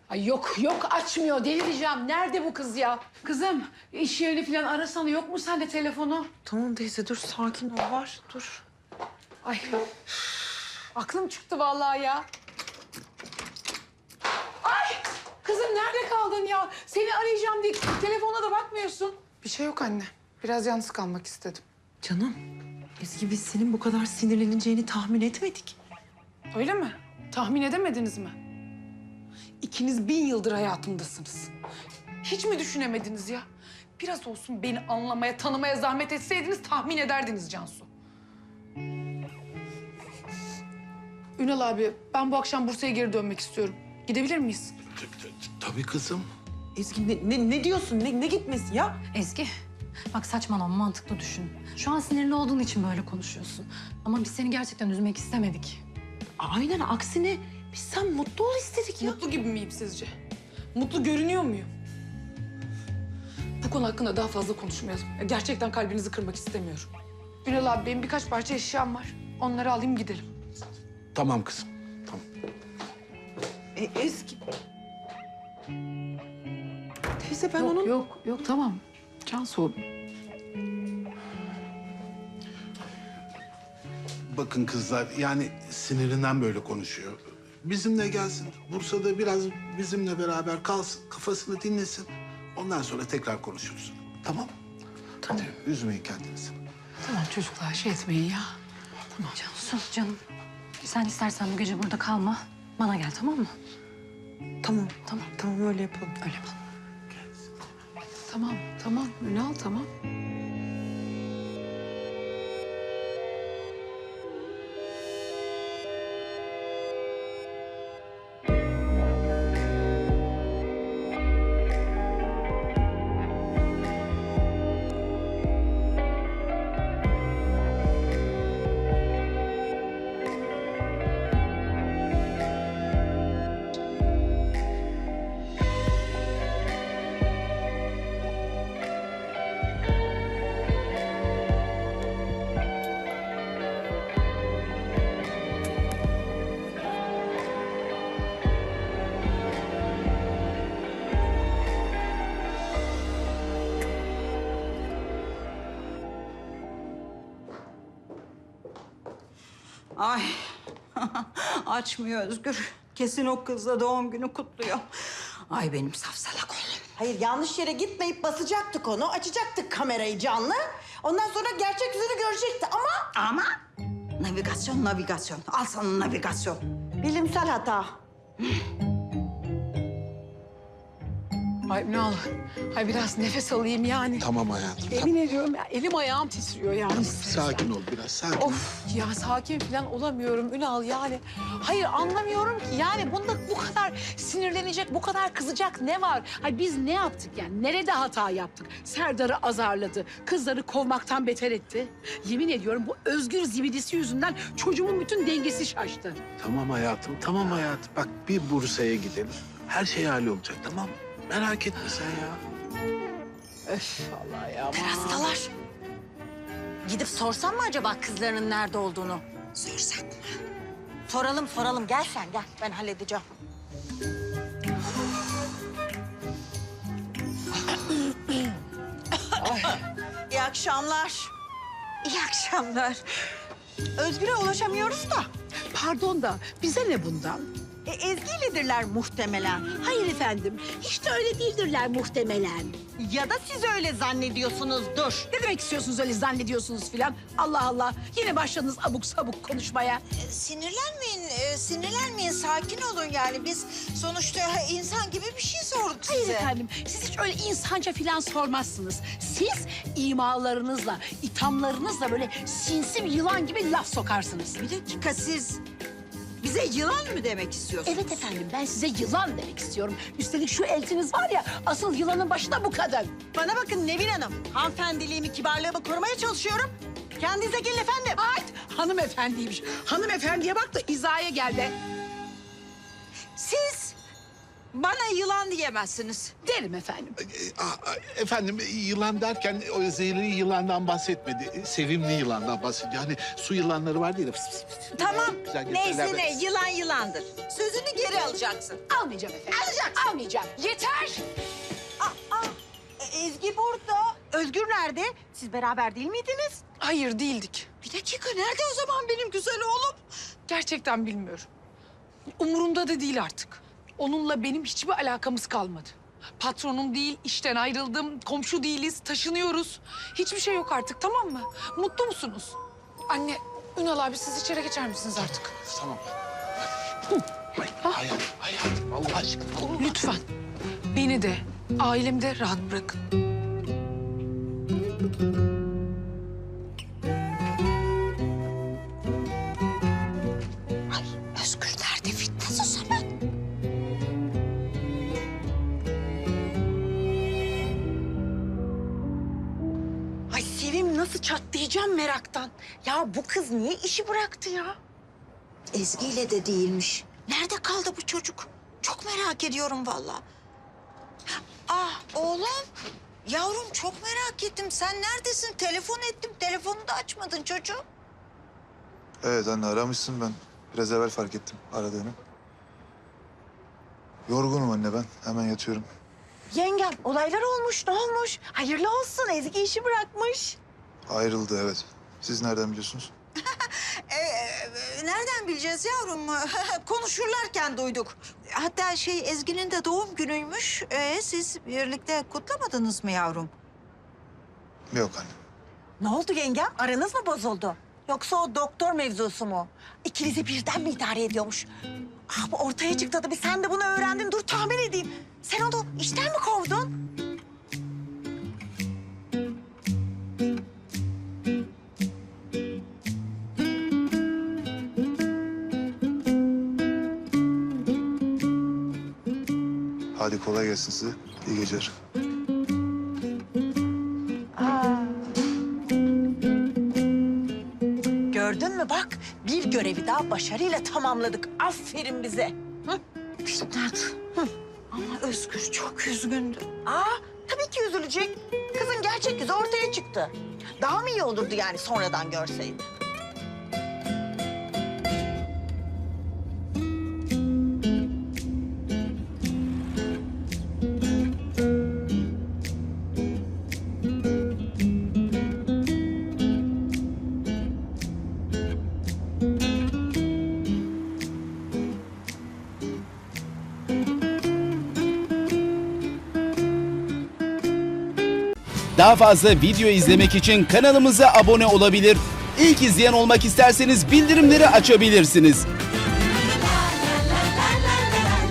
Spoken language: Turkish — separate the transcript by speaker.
Speaker 1: Ay yok açmıyor, delireceğim. Nerede bu kız ya? Kızım iş yerini falan arasana, yok mu sende telefonu?
Speaker 2: Tamam teyze dur sakin ol var dur.
Speaker 1: Ay aklım çıktı vallahi ya. Ay kızım nerede kaldın ya? Seni arayacağım diye telefona da bakmıyorsun.
Speaker 3: Bir şey yok anne. Biraz yalnız kalmak istedim.
Speaker 2: Canım Ezgi biz senin bu kadar sinirleneceğini tahmin etmedik.
Speaker 3: Öyle mi? Tahmin edemediniz mi? İkiniz 1000 yıldır hayatımdasınız. Hiç mi düşünemediniz ya? Biraz olsun beni anlamaya, tanımaya zahmet etseydiniz tahmin ederdiniz Cansu. Ünal abi, ben bu akşam Bursa'ya geri dönmek istiyorum. Gidebilir miyiz?
Speaker 4: Tabii kızım.
Speaker 2: Ezgi ne diyorsun ne gitmesi ya?
Speaker 5: Ezgi, bak saçmalama, mantıklı düşün. Şu an sinirli olduğun için böyle konuşuyorsun. Ama biz seni gerçekten üzmek istemedik.
Speaker 2: Aynen aksine biz sen mutlu ol istedik ya.
Speaker 3: Mutlu gibi miyim sizce? Mutlu görünüyor muyum? Bu konu hakkında daha fazla konuşmayalım. Gerçekten kalbinizi kırmak istemiyorum. Ünal abi, benim birkaç parça eşyam var. Onları alayım gidelim.
Speaker 4: Tamam kızım. Tamam.
Speaker 2: Ezgi. Teyze ben onun...
Speaker 1: Yok tamam. Cansu.
Speaker 4: Bakın kızlar yani sinirinden böyle konuşuyor. Bizimle gelsin. Bursa'da biraz bizimle beraber kalsın. Kafasını dinlesin. Ondan sonra tekrar konuşuruz. Tamam? Tamam. Hadi üzmeyin kendinizi.
Speaker 1: Tamam çocuklar şey etmeyin ya.
Speaker 5: Cansu, canım. Sen istersen bu gece burada kalma. Bana gel, tamam mı?
Speaker 2: Tamam öyle yapalım.
Speaker 5: Öyle yapalım.
Speaker 1: Tamam Ünal tamam.
Speaker 6: Ay açmıyor Özgür. Kesin o kızla doğum günü kutluyor. Ay benim safsalak oğlum.
Speaker 7: Hayır, yanlış yere gitmeyip basacaktık onu. Açacaktık kamerayı canlı. Ondan sonra gerçek yüzünü görecekti ama...
Speaker 6: Navigasyon. Al sana navigasyon.
Speaker 7: Bilimsel hata.
Speaker 1: Ay Ünal. Ay biraz nefes alayım yani.
Speaker 4: Tamam hayatım.
Speaker 1: Emin ediyorum ya elim ayağım titriyor yani.
Speaker 4: Sakin ol biraz. Sakin ol.
Speaker 1: Of ya sakin falan olamıyorum Ünal yani. Hayır anlamıyorum ki yani bunda bu kadar sinirlenecek, bu kadar kızacak ne var? Hayır biz ne yaptık yani? Nerede hata yaptık? Serdar'ı azarladı, kızları kovmaktan beter etti. Yemin ediyorum bu Özgür zibidisi yüzünden çocuğumun bütün dengesi şaştı.
Speaker 4: Tamam hayatım. Tamam hayatım. Bak bir Bursa'ya gidelim. Her şey hallolacak tamam mı? Merak etme sen ya.
Speaker 1: Öf vallahi ya.
Speaker 6: Terasdalar. Gidip sorsam mı acaba kızlarının nerede olduğunu? Sorsak mı?
Speaker 7: Soralım. Gel sen gel. Ben halledeceğim.
Speaker 6: İyi akşamlar. İyi akşamlar. Özgür'e ulaşamıyoruz da.
Speaker 1: Pardon da bize ne bundan?
Speaker 6: Ezgi'yledirler muhtemelen.
Speaker 1: Hayır efendim, hiç de öyle değildirler muhtemelen.
Speaker 6: Ya da siz öyle zannediyorsunuzdur.
Speaker 1: Ne demek istiyorsunuz öyle zannediyorsunuz filan? Allah Allah, yine başladınız abuk sabuk konuşmaya.
Speaker 8: Sinirlenmeyin. Sakin olun yani. Biz sonuçta insan gibi bir şey sorduk
Speaker 1: Hayır
Speaker 8: size.
Speaker 1: efendim, siz hiç öyle insanca filan sormazsınız. Siz imalarınızla, ithamlarınızla böyle sinsi bir yılan gibi laf sokarsınız.
Speaker 6: Bir dakika siz bize yılan mı demek istiyorsunuz?
Speaker 1: Evet efendim, ben size yılan demek istiyorum. Üstelik şu eltiniz var ya, asıl yılanın başında bu kadın.
Speaker 6: Bana bakın Nevin Hanım. Hanımefendiliğimi, kibarlığımı korumaya çalışıyorum. Kendinize gelin efendim.
Speaker 1: Ay hanımefendiymiş. Hanımefendiye bak da izaya gel be.
Speaker 6: Siz bana yılan diyemezsiniz.
Speaker 1: Derim efendim.
Speaker 4: Efendim yılan derken o zehirli yılandan bahsetmedi. Sevimli yılandan bahsediyor. Hani su yılanları var diye.
Speaker 6: Tamam.
Speaker 4: Güzel
Speaker 6: Neyse
Speaker 4: gösteriler.
Speaker 6: ne yılan yılandır.
Speaker 8: Sözünü geri alın. alacaksın.
Speaker 1: Almayacağım efendim. Almayacağım. Yeter.
Speaker 7: Ezgi burada. Özgür nerede? Siz beraber değil miydiniz?
Speaker 3: Hayır değildik.
Speaker 8: Bir dakika nerede o zaman benim güzel oğlum?
Speaker 3: Gerçekten bilmiyorum. Umurumda da değil artık. Onunla benim hiçbir alakamız kalmadı. Patronum değil, işten ayrıldım, komşu değiliz, taşınıyoruz. Hiçbir şey yok artık, tamam mı? Mutlu musunuz? Anne, Ünal abi siz içeri geçer misiniz artık?
Speaker 4: Tamam. Hayatım Allah aşkına.
Speaker 3: Lütfen. Beni de, ailemi de rahat bırakın.
Speaker 8: Özgür nerede Fitnat o zaman?
Speaker 7: Ay Sevim nasıl çatlayacağım meraktan. Ya bu kız niye işi bıraktı ya?
Speaker 8: Ezgi ile de değilmiş. Nerede kaldı bu çocuk? Çok merak ediyorum vallahi. Ah oğlum. Yavrum çok merak ettim. Sen neredesin? Telefon ettim. Telefonu da açmadın çocuğum.
Speaker 9: Evet anne aramışsın ben. Biraz evvel fark ettim aradığını. Yorgunum anne ben. Hemen yatıyorum.
Speaker 7: Yengem olaylar olmuş ne olmuş? Hayırlı olsun Ezgi işi bırakmış.
Speaker 9: Ayrıldı evet. Siz nereden biliyorsunuz?
Speaker 8: Nereden bileceğiz yavrum? Konuşurlarken duyduk. Hatta Ezgi'nin de doğum günüymüş. Siz birlikte kutlamadınız mı yavrum?
Speaker 9: Yok anne.
Speaker 7: Ne oldu yengem? Aranız mı bozuldu? Yoksa o doktor mevzusu mu? İkinizi birden mi idare ediyormuş? Ah bu ortaya çıktı tabii. Sen de bunu öğrendin. Dur tahmin edeyim. Sen onu işten mi kovdun?
Speaker 9: Hadi kolay gelsin size. İyi geceler.
Speaker 7: Gördün mü bak bir görevi daha başarıyla tamamladık. Aferin bize. Hı?
Speaker 8: Fitnat. Ama Özgür çok üzgündü.
Speaker 7: Tabii ki üzülecek. Kızın gerçek yüzü ortaya çıktı. Daha mı iyi olurdu yani sonradan görseydi?
Speaker 10: Daha fazla video izlemek için kanalımıza abone olabilir. İlk izleyen olmak isterseniz bildirimleri açabilirsiniz.